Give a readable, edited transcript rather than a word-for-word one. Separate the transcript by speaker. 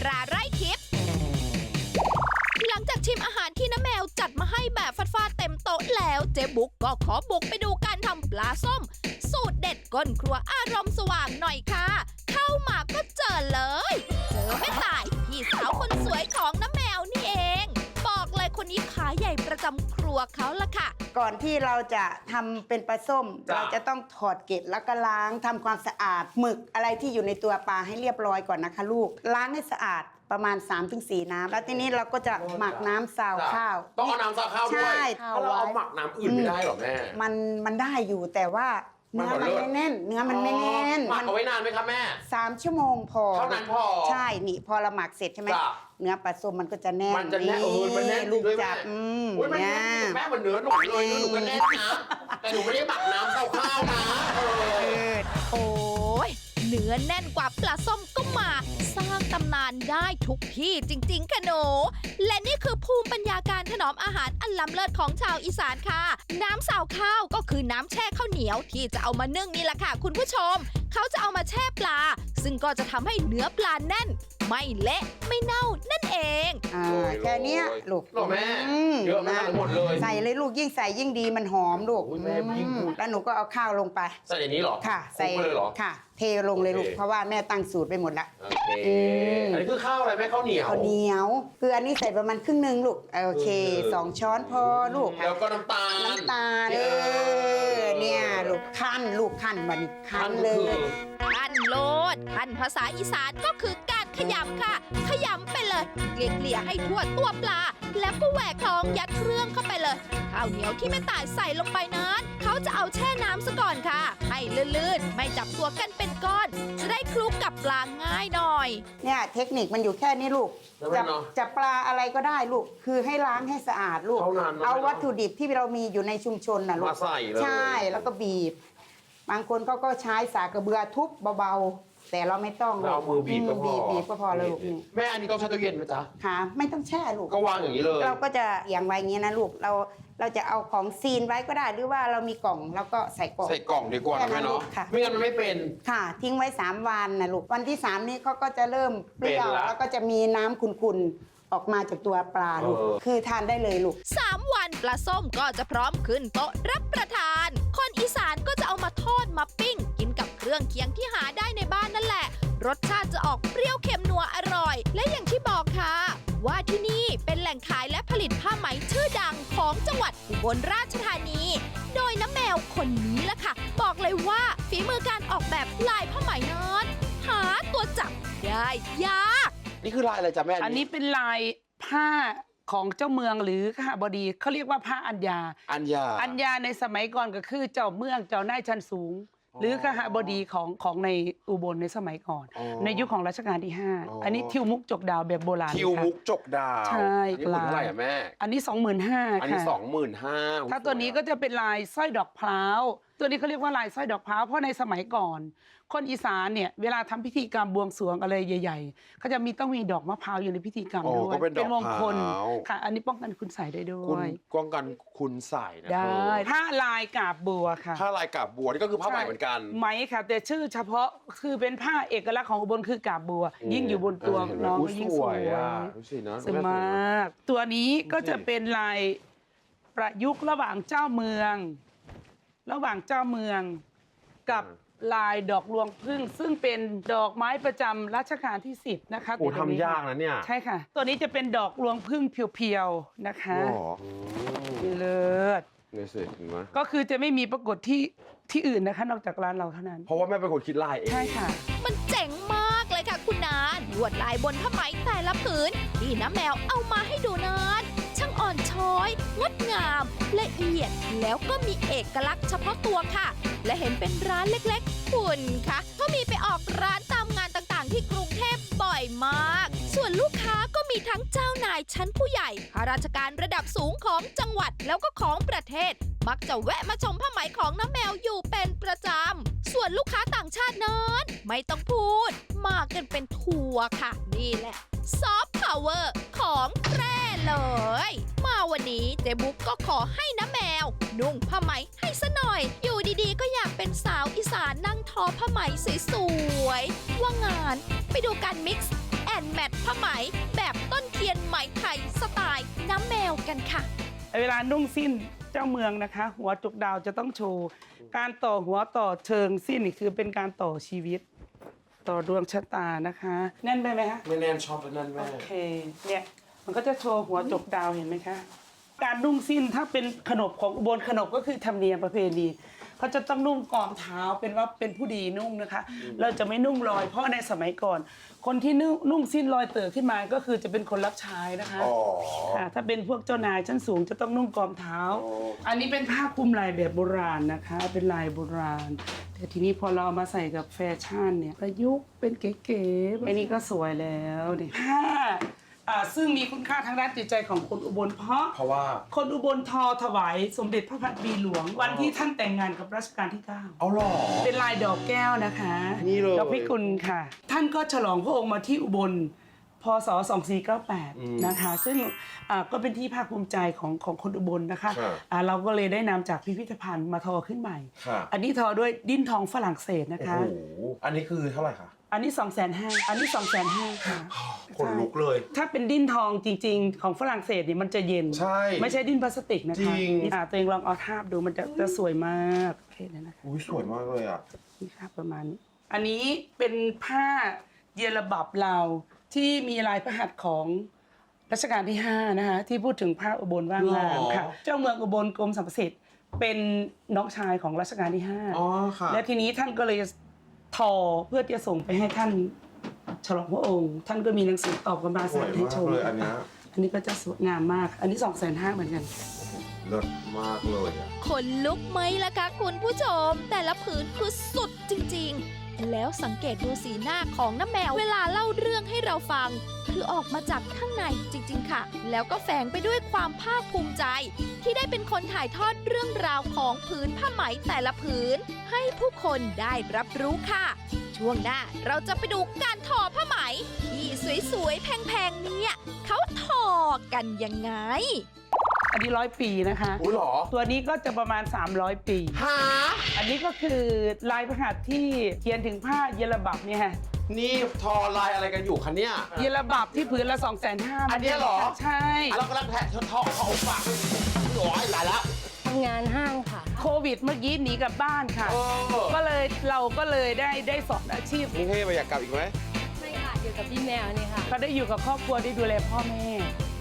Speaker 1: ราไร่ทิพย์หลังจากชิมอาหารที่น้าแมวจัดมาให้แบบฟาดๆเต็มโต๊ะแล้วเจ๊บุ๊กก็ขอบุกไปดูการทำปลาส้มสูตรเด็ดก้นครัวอารมณ์สว่างหน่อยค่ะเข้ามาก็เจอเลยเจอแม่ต่ายพี่สาวคนสวยของน้าแมวนี่เองบอกเลยคนนี้ขาใหญ่ประจำครัวเขาละค่ะ
Speaker 2: ก่อนที่เราจะทำเป็นปลาส้มเราจะต้องถอดเกล็ดแล้วก็ล้างทำความสะอาดหมึกอะไรที่อยู่ในตัวปลาให้เรียบร้อยก่อนนะคะลูกล้างให้สะอาดประมาณ 3-4 น้ำแล้วทีนี้เราก็จะหมักน้ำซาวข้าว
Speaker 3: ต้องเอาน้ำซาวข้าวด้วย
Speaker 2: ใช่
Speaker 3: ถ้าเราเอาหมักน้ำอื่นไม่ได้หรอแม่
Speaker 2: มันได้อยู่แต่ว่าเนื้อมันไม่แน่นเนื้อมันไม่แน่น
Speaker 3: หมักเอาไว้นานไหมครับแม่
Speaker 2: 3 ชั่วโมงพอ
Speaker 3: เท่านั้นพอ
Speaker 2: ใช่นี่พอเราหมักเสร็จใช่ไหมเนื้อปลาส้มมันก็จะแน่น
Speaker 3: มันจะแน่นมันแน่น
Speaker 2: ลูก
Speaker 3: ด้วย
Speaker 2: จับ
Speaker 3: มันแน่นแม่เหมือนเนื้อหนูเลยหนูก็แน่นนะแต่หนูไม่ได้หมักน้ำซาวข้าวนะ
Speaker 1: โอ้ยเนื้อแน่นกว่าปลาส้มก็มาสร้างตำนานได้ทุกที่จริงๆค่ะหนูและนี่คือภูมิปัญญาการถนอมอาหารอันล้ำเลิศของชาวอีสานค่ะน้ำสาวข้าวก็คือน้ำแช่ข้าวเหนียวที่จะเอามานึ่งนี่แหละค่ะคุณผู้ชมเขาจะเอามาแช่ปลาซึ่งก็จะทำให้เนื้อปลาแน่นไม่เละไม่เน่านั่นเอง
Speaker 2: แค่นี้ลูก
Speaker 3: แม่เยอะมากหมดเลย
Speaker 2: ใส่เลยลูกยิ่งใส่ยิ่งดีมันหอมลูกแล้วหนูก็เอาข้าวลงไป
Speaker 3: ใส่ในนี้หรอ
Speaker 2: ค่ะใส่เลยหรอค่ะเทลงเลยลูกเพราะว่าแม่ตั้งสูตรไปหมดละ
Speaker 3: อันนี้คือข้าวอะไรแม่ข้าวเหนียว
Speaker 2: ข้าวเหนียวคืออันนี้ใส่ประมาณครึ่งนึงลูกโอเค2 ช้อนพอลูก
Speaker 3: แล้วก็น้ำตา
Speaker 2: ลเนี่ยลูกขั้นมาดิขั้นเลย
Speaker 1: ขั้นโลดขั้นภาษาอีสานก็คือการขยำค่ะขยำไปเลยเกลี่ยให้ทั่วตัวปลาแล้วก็แหวกท้องยัดเครื่องเข้าไปเลยข้าวเหนียวที่แม่ต่ายใส่ลงไปนั้นเขาจะเอาแช่น้ำซะก่อนค่ะให้ลื่นๆไม่จับตัวกันเป็นก้อนจะได้คลุกกับปลาง่ายหน่อย
Speaker 2: เนี่ยเทคนิคมันอยู่แค่นี้ลูกจะปลาอะไรก็ได้ลูกคือให้ล้างให้สะอาดลูกเอาวัตถุดิบที่เรามีอยู่ในชุมชนน่ะลูกใช่แล้วก็บีบบางคนเขาก็ใช้สากกระเบือทุบเบาๆแต่เราไม่ต้อง
Speaker 3: เรามือบีบ
Speaker 2: ก็พอเลยลูกนี่
Speaker 3: แม่อันนี้ต้องแช่ตู้เย็นไหมจ๊ะ
Speaker 2: ค่ะไม่ต้องแช่ลูก
Speaker 3: ก็วางอย่างนี้เลย
Speaker 2: เราก็จะอย่างไว้อย่างนี้นะลูกเราจะเอาของซีนไว้ก็ได้หรือว่าเรามีกล่องแล้วก็ใส่กล่อง
Speaker 3: ดีกว่าแม่เนาะไม่งั้นมันไม่เป็น
Speaker 2: ค่ะทิ้งไว้3 วันนะลูกวันที่3นี้เขาก็จะเริ่มเปรี้ยวแล้วก็จะมีน้ำขุ่นๆออกมาจากตัวปลาลูกคือทานได้เลยลูก
Speaker 1: 3 วันปลาส้มก็จะพร้อมขึ้นโต๊ะรับประทานคนอีสานก็จะเอามาทอดมาปิ้งกินกับเครื่องเคียงที่หาได้ในบ้านนั่นแหละรสชาติจะออกเปรี้ยวเค็มนัวอร่อยและอย่างที่บอกค่ะว่าที่นี่เป็นแหล่งขายและผลิตผ้าไหมชื่อดังของจังหวัดอุบลราชธานีโดยน้าแมวคนนี้ล่ะค่ะบอกเลยว่าฝีมือการออกแบบลายผ้าไหมนั้นหาตัวจับได้ยาก
Speaker 3: นี่คือลายอะไรจ๊ะแม่
Speaker 4: อันนี้เป็นลายผ้าของเจ้าเมืองหรือข้าบดีเขาเรียกว่าผ้าอัญญาในสมัยก่อนก็คือเจ้าเมืองเจ้านายชั้นสูงหรือข้าบดีของในอุบลในสมัยก่อนในยุคของรัชกาลที่5อันนี้ทิวมุกจกดาวแบบโบราณ
Speaker 3: ทิวมุกจกดาว
Speaker 4: ใช่
Speaker 3: นี่คุณเท่าไหร่อะแม่
Speaker 4: อันนี้ 25,000 ค่ะ
Speaker 3: อันนี้ 25,000
Speaker 4: ถ้าตัวนี้ก็จะเป็นลายสร้อยดอกพร้าวตัวนี้เขาเรียกว่าลายสร้อยดอกพร้าวเพราะในสมัยก่อนคนอีสานเนี่ยเวลาทำพิธีกรรมบวงสรวงอะไรใหญ่ๆเขาจะต้องมีดอกมะพร้าวอยู่ในพิธีกรรมด้วยเป็นมงคลค่ะอันนี้ป้องกันคุณใส่ได้ด้วย
Speaker 3: ป้องกันคุณใส่นะ
Speaker 4: ได้ผ้าลายกาบบัวค่ะ
Speaker 3: ผ้าลายกาบบัวนี่ก็คือผ้าไหมเหมือนกัน
Speaker 4: ไหมค่ะแต่ชื่อเฉพาะคือเป็นผ้าเอกลักษณ์ของอุบลคือกาบบัวยิ่งอยู่บนตัวน้องก็ยิ่งสวยสวยมากตัวนี้ก็จะเป็นลายประยุกต์ระหว่างเจ้าเมืองกับลายดอกรวงผึ้งซึ่งเป็นดอกไม้ประจำรัชกาลที่10นะคะ
Speaker 3: โอ้ทำยากนะเนี่ย
Speaker 4: ใช่ค่ะตัวนี้จะเป็นดอกรวงผึ้งเพียวๆนะคะเลิศ
Speaker 3: นี่สิเห็นไหม
Speaker 4: ก็คือจะไม่มีปรากฏที่อื่นนะคะนอกจากร้านเราเท่านั้น
Speaker 3: เพราะว่าแม่เป็นคนคิดลายเอง
Speaker 4: ใช่ค่ะ
Speaker 1: มันเจ๋งมากเลยค่ะคุณนาลวดลายบนผ้าไหมแต่ละผืนที่น้าแมวเอามาให้ดูนั้นช่างอ่อนช้อยงดงามละเอียดแล้วก็มีเอกลักษณ์เฉพาะตัวค่ะและเห็นเป็นร้านเล็กๆคุณคะเขามีไปออกร้านตามงานต่างๆที่กรุงเทพบ่อยมากส่วนลูกค้าก็มีทั้งเจ้านายชั้นผู้ใหญ่ข้าราชการระดับสูงของจังหวัดแล้วก็ของประเทศมักจะแวะมาชมผ้าไหมของน้าแมวอยู่เป็นประจำส่วนลูกค้าต่างชาตินั้นไม่ต้องพูดมากันเป็นทัวร์ค่ะนี่แหละซอฟต์พาวเวอร์ของแพร่เลยมาวันนี้เจ๊บุ๊กก็ขอให้น้าแมวนุ่งผ้าไหมให้ซะหน่อยอยู่ดีๆก็อยากเป็นสาวอีสานนั่งทอผ้าไหมสวยๆว่างานไปดูการมิกซ์แอแอนแมทผ้าไหมแบบต้นเทียนไหมไทยสไตล์น้ำแมวกันค่ะ
Speaker 4: เวลานุ่งสิ้นเจ้าเมืองนะคะ หัวจุกดาวจะต้องโชว์ การต่อหัวต่อเชิงสิ้นนี่คือเป็นการต่อชีวิต ต่อดวงชะตานะคะแน่นไปไหมคะ
Speaker 3: ไม่แน่นชอบนั่นแม่
Speaker 4: โอเคเนี่ยมันก็จะโชว์หัวจุกดาวเห็นไหมคะการนุ่งสิ้นถ้าเป็นขนบของอุบลขนบก็คือธรรมเนียมประเพณีเขาจะต้องนุ่งกอมเท้าเป็นว่าเป็นผู้ดีนุ่งนะคะ เราจะไม่นุ่งลอยเพราะในสมัยก่อน คนที่นุ่งสิ้นลอยเตื่อขึ้นมาก็คือจะเป็นคนรับใช้นะคะค่ะถ้าเป็นพวกเจ้านายชั้นสูงจะต้องนุ่งกอมเท้า อันนี้เป็นผ้าคลุมลายแบบโบราณนะคะ เป็นลายโบราณ แต่ทีนี้พอเราเอามาใส่กับแฟชั่นเนี่ยประยุกต์เป็นเก๋ๆอันนี้ก็สวยแล้วนี่ผ้าซึ่งมีคุณค่าทางด้านจิตใจของคนอุบลเพราะ
Speaker 3: ว่า
Speaker 4: คนอุบลทอถวายสมเด็จพระพันปีหลวง วันที่ท่านแต่งงานกับรัชกาลที่ 9
Speaker 3: เอาหรอ
Speaker 4: เป็นลายดอกแก้วนะคะ
Speaker 3: นี่เลย
Speaker 4: ดอกพิกุลค่ะ ท่านก็ฉลองพระองค์มาที่อุบลพศ 2498นะคะซึ่งก็เป็นที่ภาคภูมิใจของคนอุบลนะคะเราก็เลยได้นำจากพิพิธภัณฑ์มาทอขึ้นใหม่อันนี้ทอด้วยดิ้นทองฝรั่งเศสนะคะ
Speaker 3: อันนี้คือเท่าไหร่คะ
Speaker 4: อันนี้ 250,000 อันนี้ 250,000 ค่ะ
Speaker 3: ขนลุกเลย
Speaker 4: ถ้าเป็นดิ้นทองจริงๆของฝรั่งเศสเนี่ยมันจะเย็น
Speaker 3: ใช่
Speaker 4: ไม่ใช่ดิ้นพลาสติกนะคะ
Speaker 3: จริง
Speaker 4: ตัวเองลองเอาทาบดูมันจะสวยมากโอเคเลยนะคะ
Speaker 3: สวยมากเลยอ่ะ
Speaker 4: นี่ค่ะประมาณนี้อันนี้เป็นผ้าเยลบับลาวที่มีลายพระหัตถ์ของรัชกาลที่ 5นะคะที่พูดถึงผ้าอุบลว่างงามค่ะเจ้าเมืองอุบลกรมสรรพสิทธิ์เป็นน้องชายของรัชกาลที่5และทีนี้ท่านก็เลยทอเพื่อจะส่งไปให้ท่านฉลองพระองค์ท่านก็มีหนังสือตอบกันมาสั่งให้ชมอันนี้ก็จะสวยงามมากอันนี้ 250,000 เหมือนกัน
Speaker 3: เลิศมากเลยอ่ะ
Speaker 1: คนลุกไหมล่ะคะคุณผู้ชมแต่ละผืนคือสุดจริงๆแล้วสังเกตดูสีหน้าของน้าแมวเวลาเล่าเรื่องให้เราฟังคือออกมาจากข้างในจริงๆค่ะแล้วก็แฝงไปด้วยความภาคภูมิใจที่ได้เป็นคนถ่ายทอดเรื่องราวของผืนผ้าไหมแต่ละผืนให้ผู้คนได้รับรู้ค่ะช่วงหน้าเราจะไปดูการทอผ้าไหมที่สวยๆแพงๆเนี่ยเขาทอกันยังไง
Speaker 4: อันนี้100 ปีนะคะ
Speaker 3: อุ้ยหรอ
Speaker 4: ตัวนี้ก็จะประมาณ300 ปี
Speaker 3: ฮะ
Speaker 4: อันนี้ก็คือลายพระหัตถ์ที่เขียนถึงผ้าเยลบับเนี่ยค่ะ
Speaker 3: นี่ทอลายอะไรกันอยู่คะเนี่ย
Speaker 4: เยลบับที่ผืนละ 250,000
Speaker 3: อันนี้หรอ
Speaker 4: ใช่
Speaker 3: เรากำลังแผะทอฝากหน่อยหลายแล้ว
Speaker 5: ทำงานห้างค่ะ
Speaker 4: โควิดเมื่อกี้หนีกลับบ้านค่ะเราก็เลยได้สอนอาชีพ
Speaker 3: นี่ให้อยากกลับอีกไหม
Speaker 5: ไม่ค่ะอยู่กับพี่แมวนี่ค่ะ
Speaker 4: ก็ได้อยู่กับครอบครัวได้ดูแลพ่อแม่